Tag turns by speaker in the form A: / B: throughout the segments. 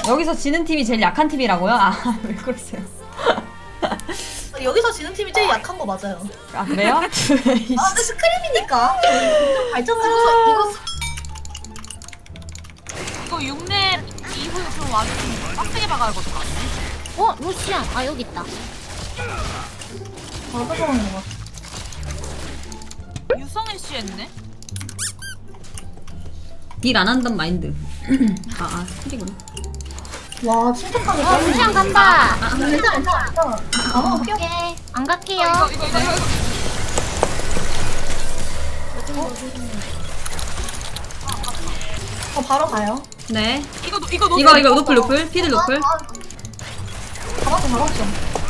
A: 여기서 지는 팀이 제일 약한 팀이라고요? 아, 왜 그러세요?
B: 여기서 지는 팀이 제일 약한 거 맞아요.
A: 아, 그래요?
B: 아 근데 스크림이니까 발전하면서
C: 이거 6렙 이후에 좀 완전 빡세게 박아야 할 것 같아.
D: 루시안. 아, 여기 있다.
B: 받아가는 거 같아.
C: 유성애 씨 했네?
A: 딜 안 한단 마인드. 스킬이구나.
B: 와 침착하게.
D: 루시안 간다.
B: 괜찮아 괜찮아. 아 오케이.
D: 오케이. 안 갈게요.
C: 이거.
B: 바로 가요.
A: 네.
C: 이거
A: 노플. 피드 노플.
B: 잡았어.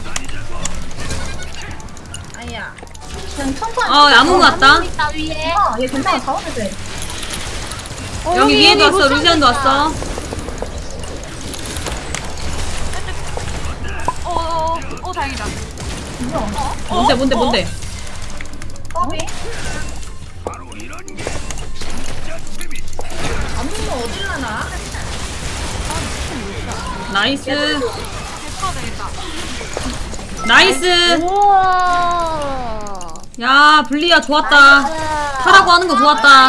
B: 아야. 그냥 천천히.
A: 아무 것 같다.
D: 있다, 위에.
B: 얘 괜찮아 잡아도 돼.
A: 여기 위에도 왔어. 루시안도 왔어.
C: 다행이다.
B: 뭐야?
A: 뭔데?
B: 까비.
A: 나이스.
C: 됐어, 되겠다.
A: 나이스.
D: 우와.
A: 야, 블리야 좋았다. 하라고 하는 거 좋았다.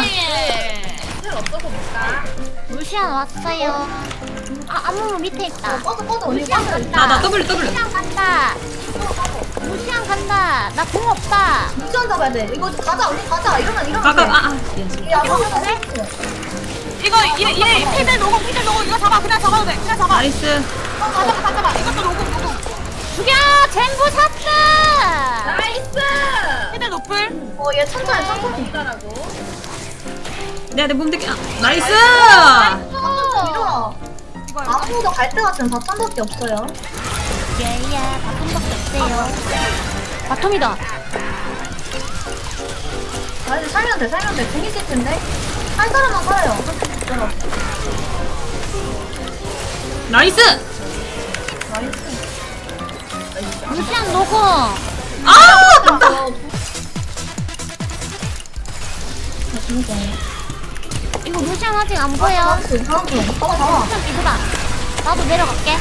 D: 루시안 왔어요. 아무 밑에 있다.
B: 꺼져 언니
D: 루시안
B: 꺼져.
D: 간다.
A: 나 W.
D: 루시안 간다. 루시안 간다. 나 공 없다.
B: 무시한 잡아야 돼. 이거 가자 언니 가자. 이러면 돼.
A: 미안.
B: 야 이거 돼?
C: 이거 얘 피들 녹음 이거 잡아. 그냥 잡아도 돼. 그냥 잡아.
A: 나이스.
C: 다 잡아. 이것도 녹음.
D: 죽여! 젠부 샀어!
B: 나이스.
C: 피들 노플.
B: 얘 천천히.
A: 내가 내 몸대기. 나이스.
B: 밀어.
C: 이거
B: 아무도 갈 때 같은 4천밖에 없어요.
D: 예예, 바텀밖에 없어요. 바텀이다.
B: 아니 살면 돼. 궁 있을 텐데. 한 사람만 살아요.
A: 나이스.
B: 나이스.
D: 루시안 녹음. 이거 루시안 아직 안 보여.
B: 다음 중. 잡아.
D: 루시안 이거다. 나도 내려갈게.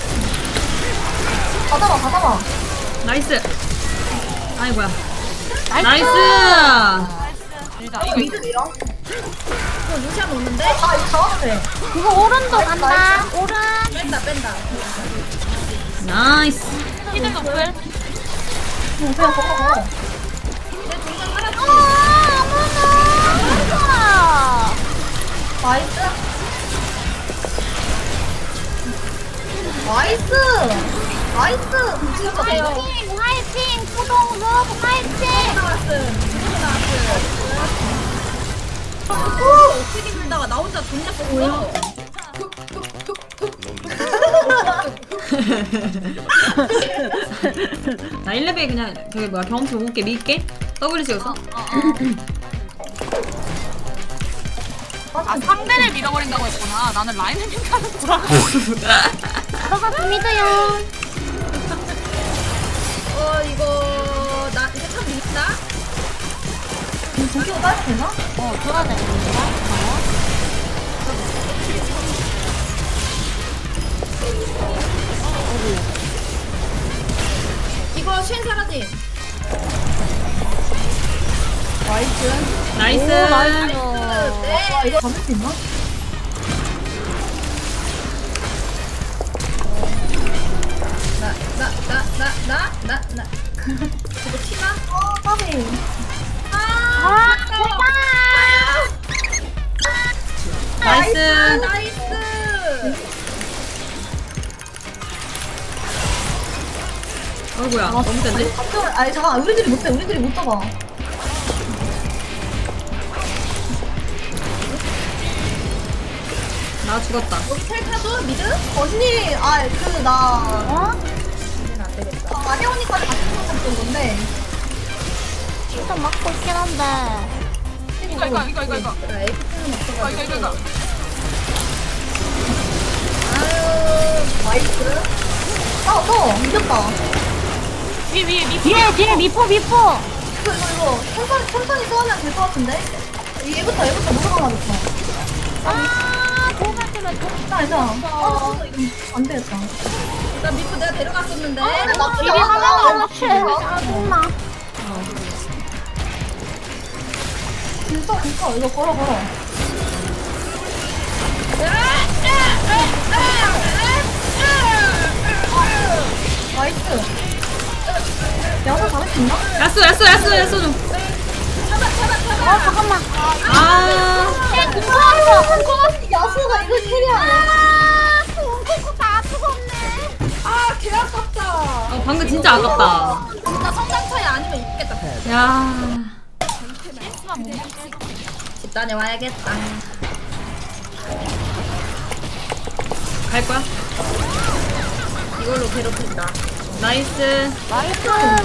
B: 다 잡아.
A: 나이스. 아이 뭐야.
D: 나이스.
A: 나이스.
B: 미드 밀어. 루시안 오는데? 이거 잡아도 돼.
D: 이거 오른도 간다. 오른.
B: 뺀다.
A: 나이스.
C: 피들 노플.
B: 그냥 먹어.
D: 어머나.
B: 나이스. 진짜 대박.
D: 화이팅. 푸동 러브 화이팅.
B: 어떻게 밀다가 나 혼자 돈 잡고
A: 나 1레벨 그냥 저기 뭐야 경험치 5개 밀게. W 찍었어?
C: 상대를 밀어버린다고 했구나. 나는 라인을 밀가는 구라.
D: 들어갔습니다요.
B: 이거 참 밀다. 고기가 따도 되나?
D: 들어가야 됩니다.
B: 이거 쉔 사라짐. 나이스.
A: 나이스.
B: 와 이거 잡을 수 있나? 나. 그거 티나? 까비.
D: 제발.
A: 나이스. 어이구야. 너무 센데?
B: 아니 잠깐 우리들이 못 잡아.
A: 나 죽었다.
B: 여기 텔타도 미드? 언니 나 안 되겠다. 마대원이까지 같이 먹었던 건데.
D: 일단 막고 있긴 한데.
C: 이거.
B: 나 에이프트는 없어가지고.
C: 이거.
B: 아유 나이스. 이겼다.
C: 위에.
D: 뒤에 미포.
B: 이거 천천히 써하면 될 것 같은데? 얘부터 무조건 맞았어.
D: 도움할게. 때문에 좀
B: 괜찮아. 이거 안 되겠다.
A: 나 미프 내가 데려갔었는데.
B: 나
D: 일이 하나도 안 맞춰. 짜증나.
B: 진짜 이거 걸어. 나이스. 야사 잡을 수 있나?
A: 야쏘 좀.
D: 잠깐만.
A: 아.
B: 야수가 이걸 캐리하네.
D: 콩콩콩 다 뜨겁네.
B: 아, 개 아깝다.
A: 방금 진짜 아깝다.
B: 진짜 성장 차이 아니면 이기겠다.
A: 야.
B: 집단에 와야겠다.
A: 갈 거야?
B: 이걸로 괴롭힌다.
A: 나이스.
D: 나이스.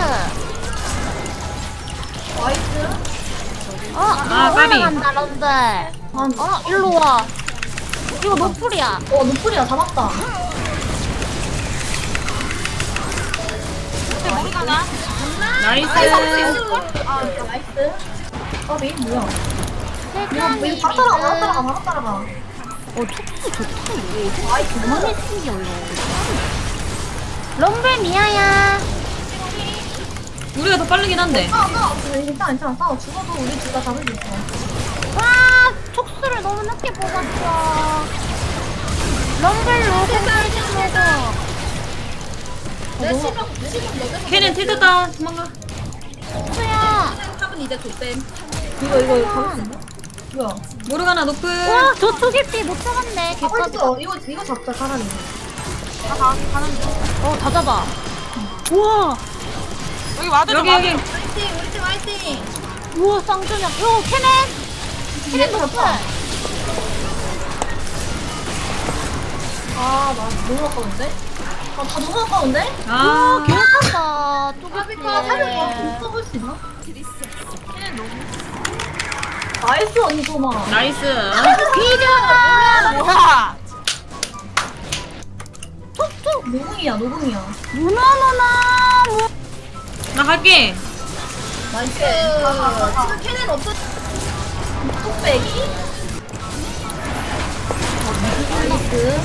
B: 나이스.
A: 까비.
D: 올라간다, 런들. 일로 와. 이거 노플이야.
B: 노플이야. 잡았다.
C: 모르가나?
A: 나이스.
B: 나이스. 메인 뭐야?
D: 세상에.
B: 바로 따라가.
D: 촉수 좋다, 이거. 나이스. 너무 신기 올려. 럼블 미아야.
A: 우리가 더 빠르긴 한데.
B: 괜찮아. 싸워. 죽어도 우리 둘 다 잡을 수 있어.
D: 와, 촉수를 너무 늦게 뽑았어. 럼블로 공격해주고.
B: 내 시간 너네
A: 걔는 tilted 다운. 도망가.
D: 촉수야.
B: 탑은 이제 좆뱀. 이거 잡을 수 있나? 뭐야?
A: 모르가나 노플.
D: 와, 저 초계피 못 잡았네.
B: 잡을 수
D: 개까지.
B: 있어. 이거 잡자 차라리.
D: 다 잡아. 우와.
C: 여기 와도
A: 여기.
B: 화이팅! 우리 팀 화이팅!
D: 우와, 쌍전형. 요, 캐넨.
B: 얘도 잡자. 나 너무 아까운데? 다 너무 아까운데?
A: 아.
D: 개아깝다.
B: 아비카 사실 못 써볼 수 있나? 나이스 언니 도마.
A: 나이스.
D: 비벼라.
C: 뭐야?
B: 노궁이야.
D: 누나누나.
A: 나 갈게.
B: 나이스. 지금 캐넨 없어. 톡배기? 나이스.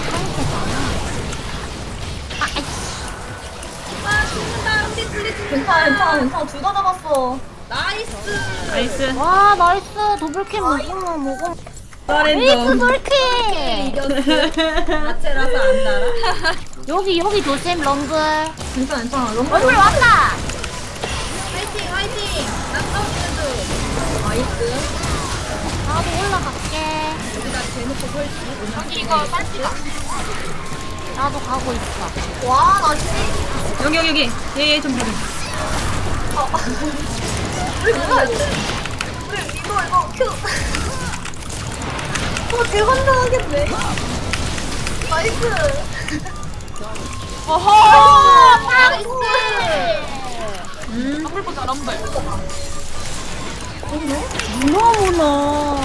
B: 죽는다. 우리 괜찮아. 둘 다 잡았어.
A: 나이스.
D: 와, 나이스. 더블캐 먹어. 에이스 돌캐.
B: 마체라서 안 달아.
D: 여기 조심, 럼블.
B: 괜찮아.
D: 럼블 왔다.
B: 화이팅! 나 싸우는 나이스.
D: 나도 올라갈게.
B: 여기다 대놓고 설치.
C: 여기 이거 쌀지가.
D: 나도 가고 있어.
B: 와, 나 씨.
A: 여기. 얘 좀 봐줘.
B: 우리 뭐야, 이거? 우리 이거 큐. 대환장하겠네. 나이스.
C: 어허!
B: 나이스.
C: 럼블 보자, 럼블.
D: 문어문어.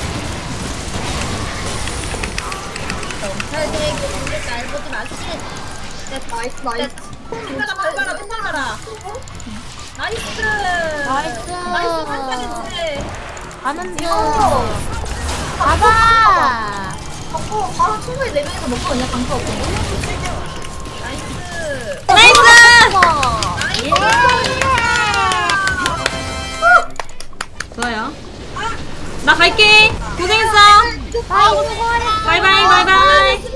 B: 잘 보지 마시. 나이스. 템발라. 나이스.
D: 나이스.
B: 한판이 뭐해.
D: 가는 중.
B: 이거.
D: 가자.
B: 바로 충분히 4명이서 먹고 그냥 강타 없고. 나이스.
A: 나이스. 좋아요. 나 갈게. 고생했어.
D: 바이, 수고하셨어.
A: 바이바이.